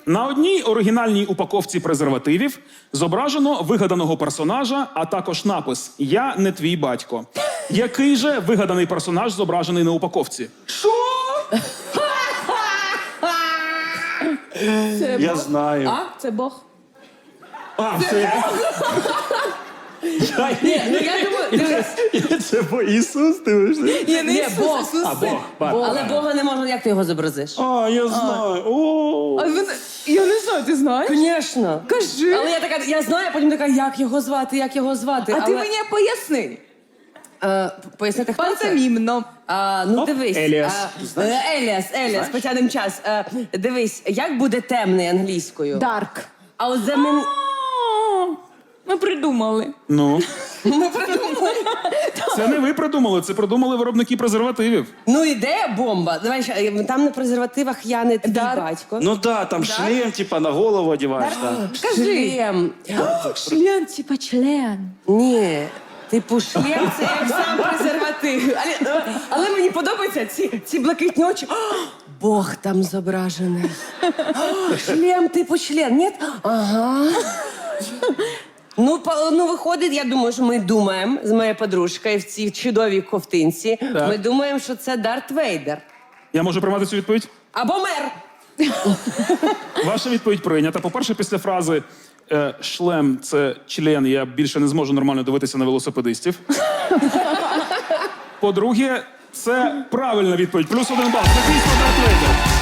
На одній оригінальній упаковці презервативів зображено вигаданого персонажа, а також напис «Я не твій батько». Який же вигаданий персонаж зображений на упаковці? Що? Я знаю. А? Це Бог? А, це... Ні, ну я думаю, дивись. Це бо Ісус, дивишся? Ні, не Ні, Ісус, Бог. Ісус. А, Бог. Але Бога не можна, як ти його зобразиш? А, я знаю. О. Я не знаю, ти знаєш? Звісно. Кажи. Але я така, я знаю, а потім така, як його звати, як його звати. А але... ти мені поясни. Пояснити, хто це? Пантомімно. Ну, дивись. Еліас. Еліас, потягнемо час. Дивись, як буде темний англійською? Дарк. А от замін... Ми придумали. Ну, Ми придумали. це не ви придумали, це придумали виробники презервативів. Ну, ідея бомба. Давай, ще, там на презервативах я не твій батько. Ну да, там шлем, типа, на голову одягаєш. Да. Шлем. Член, типа член. Ні. Типу, шлем це як сам презерватив. Але мені подобаються ці блакитні очі. Бог там зображений. Шлем, типу член. Ні? Ага. Ну, виходить, я думаю, що ми думаємо з моєю подружкою в цій чудовій ковтинці. Так. Ми думаємо, що це Дарт Вейдер. Я можу приймати цю відповідь? Або мер. Ваша відповідь прийнята. По-перше, після фрази «шлем – це член, я більше не зможу нормально дивитися на велосипедистів». По-друге, це правильна відповідь. +1 бал. Це дійсно Дарт Вейдер.